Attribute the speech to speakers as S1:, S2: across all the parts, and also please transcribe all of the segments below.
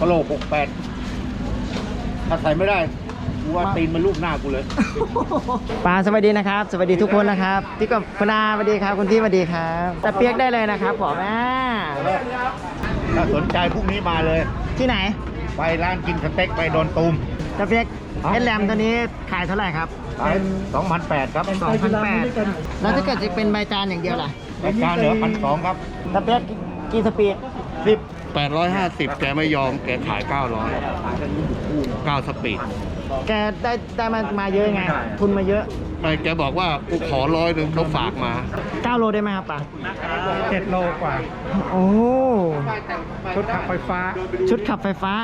S1: ะโหลก68ถ้าใส่ไม่ได้กูว่าตีนมันลูกหน้ากูเลย
S2: ปาสวัสดีนะครับ สวัสดีทุกคนนะครับพี่กับคุณอาสวัสดีครับคุณพี่สวัสดีครับตะเปียกได้เลยนะครับผม
S1: ถ้าสนใจพรุ่งนี้มาเลย
S2: ที่ไหน
S1: ไปร้านกินสเต็กไปโดนตูม
S2: ตะเปียกเอสแลมตัวนี้ขายเท่าไหร่ครับ
S1: ขาย2,800 ครับ
S2: 2,800แล้วถ้าเกิดจะเป็นใบจานอย่างเดียวล่ะ
S1: รายการเหลือ1,200 ครับ
S2: ตะเปียกกี่สปีด
S1: 850แกไม่ยอมแกขาย900 9สปีด
S2: แกได้มาเยอะไงทุนมาเยอะ
S1: ไม่แกบอกว่ากูขอ100เขาฝากมา
S2: 9 โลได้ไหมครับป่ะ
S1: 7 โลกว่า
S2: โอ้
S1: ชุดขับไฟฟ้า
S2: ชุดขับไฟฟ้า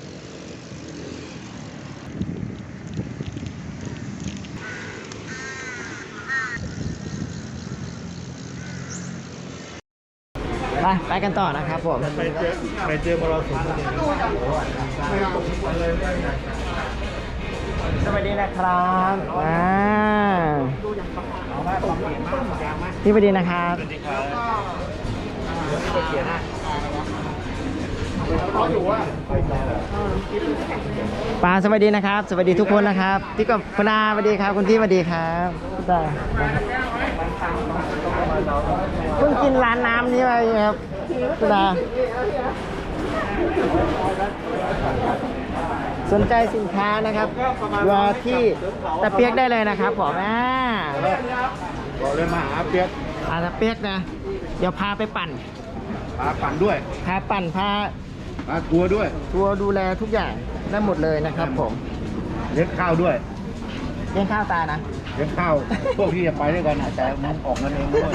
S2: ไปกันต่อนะครับผม
S1: ไปเจอมรสุม
S2: สวัสดีนะครับพี่สวัสดีนะครับปาสวัสดีนะครับสวัสดีทุกคนนะครับพี่กับคุณอาสวัสดีครับคุณพี่สวัสดีครับเพิ่งกินร้านน้ำนี้ไปครับคุณอาสนใจสินค้านะครับรอที่ตะเปียกได้เลยนะครับผม
S1: บอกเลยมาหาเปียก
S2: ตะเปียกนะเดี๋ยวพาไปปั่น
S1: พาปั่นด้วย
S2: พาปั่นพา
S1: ทัวร์ด้วย
S2: ทัวร์ดูแลทุกอย่างได้หมดเลยนะครับผม
S1: เลี้ยงข้าวด้วย
S2: เลี้ยงข้าวตานะ
S1: เลี้ยงข้าวพวกที่จะไปด้วยกันแต่มันออกเงินเองด้วย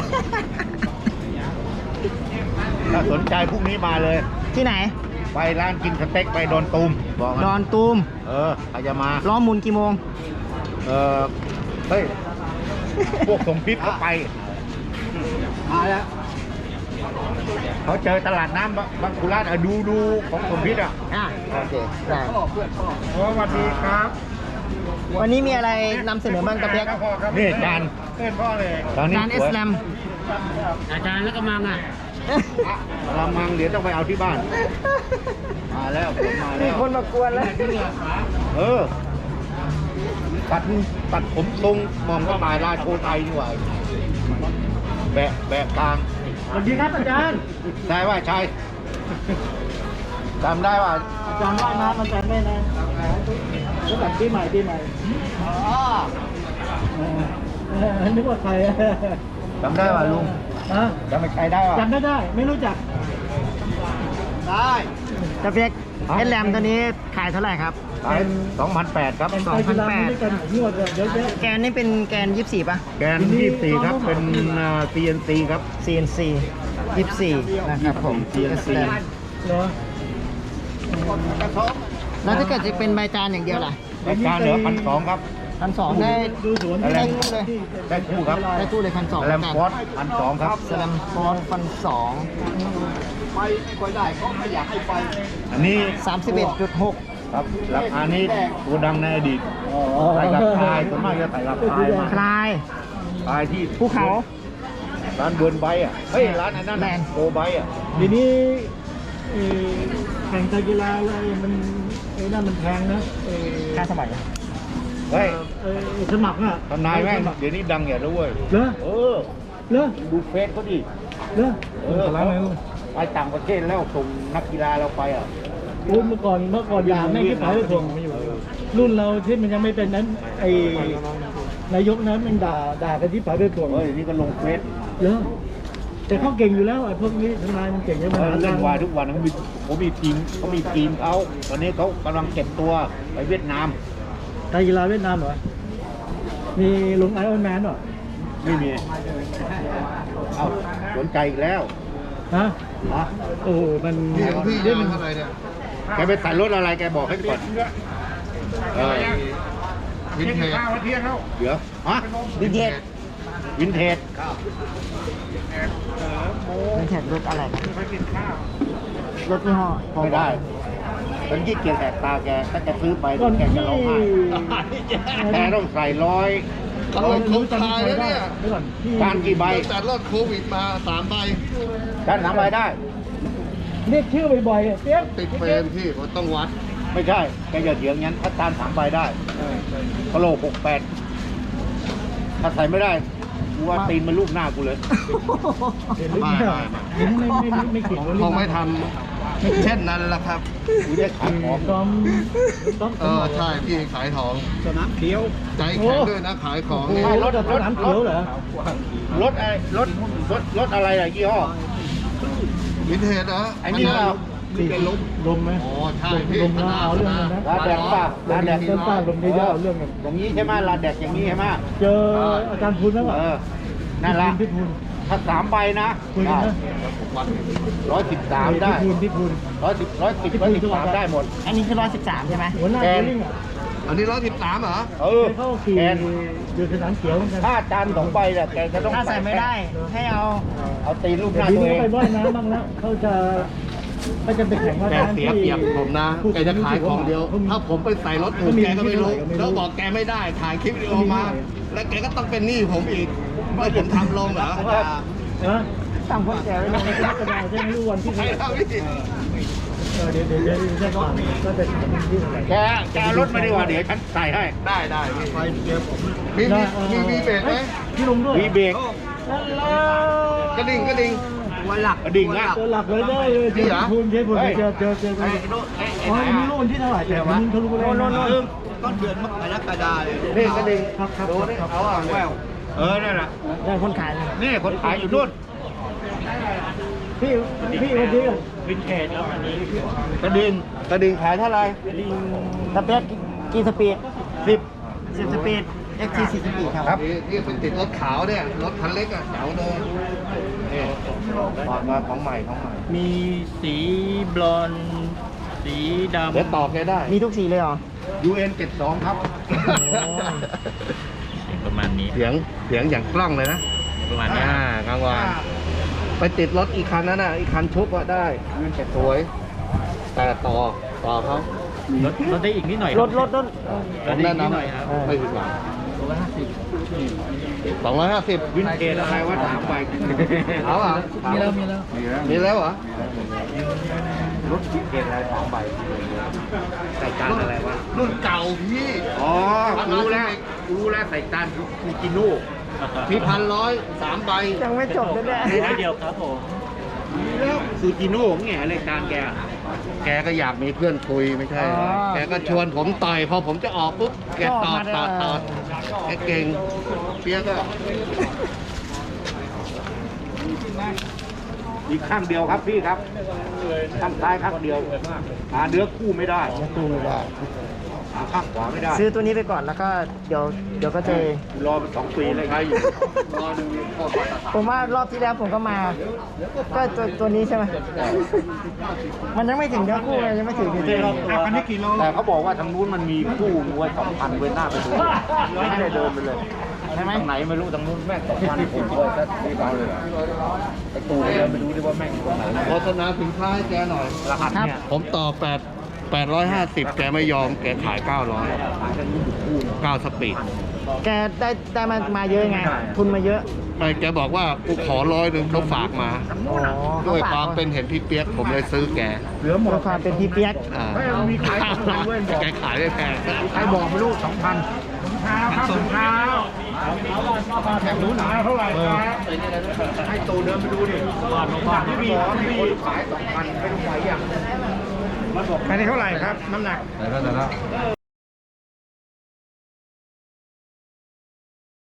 S1: ถ้าสนใจพรุ่งนี้มาเลย
S2: ที่ไหน
S1: ไปร้านกินสเต็กไปโดนตูมบอก
S2: ดอนตูม
S1: ใครจะมา
S2: ล้อหมุนกี่โมง
S1: เฮ้ยพวกสมพิษเขาไปมาแล้วเขาเจอตลาดน้ำบางคุราชดูของสมพิษ
S2: โอเคได้
S1: สวัสดีครับ
S2: วันนี้มีอะไรนำเสนอบ้างตะเปียก
S1: นี่จานพ่อเลย
S2: จานเอสแลม
S3: อาจารย์แล้วก็มัง
S1: ลำมังเดี๋ยวต้องไปเอาที่บ้านมาแล้วมาแล้ว
S2: มีคนมากวนแล้ว
S1: ตัดผมทรงมองก็ตายราชโชไทยนี่หว่าแบะกลาง
S2: สวัสดีครับอาจารย์
S1: ใช่ว่าใช่จำได้ว่า
S2: อาจารย์ว่ายน้ำอาจารย์ไม่นะก็แบบปีใหม่นึกว่าใคร
S1: จำได้ว่าลุงจำไม่ใช่ได้ว่า
S2: จำได้ไม่รู้จักได้ตะเปียกเอสแลมตัวนี้ขายเท่าไหร่ครับ
S1: ขาย2,800 ครับ
S2: 2,800แกนนี่เป็นแกน24ป่ะ
S1: แกน24ครับเป็น CNC ครับ
S2: CNC 24นะครับผม
S1: CNC
S2: แล้วถ้าเกิดจะเป็นใบจานอย่างเดียวล่ะ
S1: รายการเหลือ1,200 ครับ
S2: 1,200ได้คู่เลย
S1: ได้คู่ครับ
S2: ได้คู่เลย1,200
S1: แลมฟอร์ด1,200 ครับ
S2: แลมฟอร์ด1,200
S1: ไปค่อยได้ก็ไม่อยากให้ไปอันนี้
S2: 31.6
S1: ครับราคานี้ตัวดังในอดีตใส่กับคลายส่วนมากจะใส่กับคลายมา
S2: คล
S1: ายที่
S2: ภูเขา
S1: ร้านเบิร์นไบเฮ้ยร้านนั้นแลนโกไบ
S2: ทีนี้แข่งกีฬาอะไรมันนั่นมันแพงนะค่าสมัคร
S1: เฮ้ย
S2: สมัครอ่ะ
S1: ทนายแม่งเดี๋ยวนี้ดังอย่าด้วย
S2: เหรอ
S1: ดูเฟซเขาดิไปต่างประเทศแล้วส่งนักกีฬาเราไป
S2: เมื่อก่อนอย่าแม่งที่ไปเลยส่งรุ่นเราที่มันยังไม่เป็นนั้นไอ้นายกนั้นมันด่ากันที่ไปเลยส่ง
S1: นี่ก็ลงเฟซ
S2: แต่เขาเก่งอยู่แล้วไอ้พวกนี้ทนายมันเก่งใช่ไหม
S1: เล่นวายทุกวันเขามีทีมเขาตอนนี้เขากำลังเก็บตัวไปเวียดนาม
S2: ไทยกีฬาเวียดนามเหรอมีลุงไอออนแมนเหรอ
S1: ไม่มีสนใจอีกแล้ว
S2: โอ้มัน
S1: พี่เรื่องอะไรเนี่ยแกไปใส่รถอะไรแกบอกให้ก่อนวินเทจเดี๋ยว
S2: วินเทจ
S1: วินเทจ
S2: รถอะไรรถยี่ห้อ
S1: ไม่ได้ฉันขี้เกียจแตกตาแกถ้าจะซื้อไปแกจะร้องไห้แกต้องใส่
S3: ตลอดโควิดตายแล้วเนี่ย
S1: การกี่ใบ
S3: แต่รอดโควิดมา3 ใบ
S1: การ3 ใบได้
S2: เรียกชื่อบ่อยๆอ่ะเปี๊ยก
S3: ติดเฟรมพี่ผมต้องวัด
S1: ไม่ใช่แกอย่าเถียงงั้นถ้าตาน3 ใบได้กะโหลก68ถ้าใส่ไม่ได้กูว่าตีนมันลูกหน้ากูเลย
S2: เห็นหรือเปล่าเห็นไม่เกี่ยว
S3: คงไม่ทำเช่นนั้นละครับ
S1: กูได้ขายของ
S2: ต้อม
S3: ใช่พี่ขายของ
S1: สนามเขียว
S3: ใจแข็งด้วยนะขายของ
S2: โอ้
S3: นี่
S2: โหรถสนามเขียวเหรอ
S1: รถอะไรรถอะไรอะยี่ห้อ
S3: วินเทจนะ
S1: ไอ้นี่เรา
S2: สี่ลมไหม
S3: โอ้ใช่พี่
S2: ลมแล้วเอาเรื่องนั้นนะ
S1: ลาแดกป่ะลาแดก
S2: เส้นใต้ลมเยอะๆเอาเรื่องกัน
S1: อย่างนี้ใช่ไหมลาแดกอย่างนี้ใช่ไหม
S2: เจออาจารย์พูนแล้วป่ะ
S1: นั่นละ
S2: พี่พูน
S1: ถ้า3 ใบนะ
S2: คุยกันนะ
S1: 113ได้
S2: พี่พูน
S1: 110 113ได้หมด
S4: อันนี้คือ113ใช่ไหม
S2: หัวหน้า
S1: แก
S2: โบ
S1: น
S2: ลิ่งอ่ะ
S3: อันนี้113เหรอ
S1: เออ
S2: เข้าขี่
S1: แกน
S2: อยู่สนามเขียวเหมือนกัน
S1: ถ้าจาน2 ใบเนี่ยแกจะต้อง
S4: ถ้าใส่ไม่ได้ ให้เอา
S1: เอาตีนลูกห
S2: แต่
S1: น้า
S2: ที
S1: ตัว
S2: นี้
S1: เอง
S2: ไปว่ายน้ำบ้างแล้วเขาจะไปแข่งว่า
S3: แกเสียเปรียบผมนะ แกจะขายของเดียว ถ้าผมไปใส่รถถูกแกก็ไม่รู้แล้วบอกแกไม่ได้ ถ่ายคลิปวิดีโอมา แล้วแกก็ต้องเป็นหนี้ผมอีกไม่ผมทำลงเหรอ
S2: นะ
S4: สั่งพวกแกไว้
S2: ไม่
S4: เลย
S2: ได้กระดาษใช่ไหมรู้วันที่
S3: ใช่ครับพี่
S2: เดี๋ยวจะผ่านก็จะถึงที่อะไร
S1: แกเอารถมาดีกว่าเดี๋ยวฉันใส่ให้
S3: ได้พี่ไฟเกียร์ผมมีเบรกไหม
S2: พี่ลงด้วย
S1: มีเบรก
S3: กระดิ่ง
S4: วันหลัก
S1: กระดิ่งอ่ะ
S2: เจอหลักเลยได้เลยเจอพูนเจอพูนเจออ๋อไม่รู้วันที่เท่าไหร่แต่วันนี้เขารู้แล้ว
S3: ต้นเดือนมกรกฎาเลย
S1: นี่กระดิ่ง
S2: ครับครับ
S1: ดูนี่
S2: ครับ
S1: เอาอ่ะแววนั่นแหละ
S4: ได้คนขายเลย
S1: นี่คนขายอยู่นู่น
S2: พี่วันนี้
S1: วินเทจแล้วอันนี้กระดิ่งขายเท่าไหร่
S4: สเปซกี่สปีด
S1: 10
S4: 10สปีด XT 4สปีดครับ
S1: ครับ
S3: นี่เป็นติดรถขาวเนี่ยรถคันเล็กอ่ะแถวเลย
S1: นี่ถอดมาของใหม่
S4: มีสีบลอนด์สีดำ
S1: เดี๋ยวต่อแกได้
S4: มีทุกสีเลยเหรอ
S1: UN 72ครับ
S4: ประมาณนี้
S3: เสียงอย่างกล้องเลยนะ
S4: ประมาณนี้
S3: กลางวันไปติดรถอีกคันนั้นน่ะอีกคันชุบอะได้ยืนสวยแต่ต่อเขา
S4: รถได้อีกนิดหน่อยรถ
S3: ผมแนะนำไม่ผิดหวัง250
S1: วินเทจอะไรวะ3 ใบ
S3: เอาอ่ะ
S2: มีแล้ว
S3: มีแล้วเหรอ
S1: รถวินเทจอะไร3 ใบใส่จานอะไรวะ
S3: รุ่นเก่าพี่
S1: อ๋อรู้แล้วใส่จานคูจิโน่
S3: พี่1,100 3 ใบ
S4: ยังไม่จบเลยเนี่ย
S1: เดียวครับผมแล้วซูจิโน่แง่อะไรจานแก
S3: แกก็อยากมีเพื่อนคุยไม่ใช่เหรอแกก็ชวนผมต่อยพอผมจะออกปุ๊บแกตอดแกเก่งเปียกก็
S1: อีกข้างเดียวครับพี่ครับข้างซ้ายข้างเดียวหาเนื้อคู่ไม่ได้
S2: ตู้ไม่ได้
S1: หาข้างขวาไม่ได้
S4: ซื้อตัวนี้ไปก่อนแล้วก็เดี๋ยวก็เจอ
S1: รอเป็น2 ปีเลยใครอยู่รอดูโคตรมาตรฐาน
S4: ผมว่ารอบที่แล้วผมก็มา ก็ตัวนี้ใช่ไหม มันยังไม่ถึงเนื้อคู่เลยยังไม่ถึงจริง
S1: อันนี้กี่โลแต่เขาบอกว่าทางนู้นมันมีคู่ไว้2,000ไว้หน้าไปดูไม่ได้เดินไปเลย
S4: ใช่ไหม
S1: ทางไหนไม่รู้ทางนู้นแม่ง2,000ผมเลยถ้ารีบเอาเลยไอ้ตูเดินไปดูดิว่าแม่งอยู่ตรงไหน
S3: โฆษณาสินค้าให้แกหน่อย
S1: รหัสเนี่ย
S3: ผมต่อ850 แกไม่ยอมแกขาย 900
S1: ขายกันนี้อยู่คู่
S3: 9 สปีด
S4: แกได้มาเยอะไง ทุนมาเยอะ
S3: ไม่แกบอกว่ากูขอ100เขาฝากมา
S4: อ๋อ
S3: ด้วยความเป็นเห็นพี่เปียกผมเลยซื้อแก
S1: เหลือหม
S4: ด้ว
S1: ด
S4: ยความเป็นพี่เปียก
S3: อ่า
S1: ไม่มีขาย2,000เว้ยบอก
S3: แกขายไม่แพง
S1: ใครบอกไม่รู้2,000ถุงเท้าครับถุงเท้าแข่งรู้หนาเท่าไหร่ครับให้ตูเดินไปดูดิที่มีคนขาย2,000ไม่รู้ไหวอย่างมันบอกแค่นี้เท่าไหร่ครับน้ำหนัก
S3: แต่ก็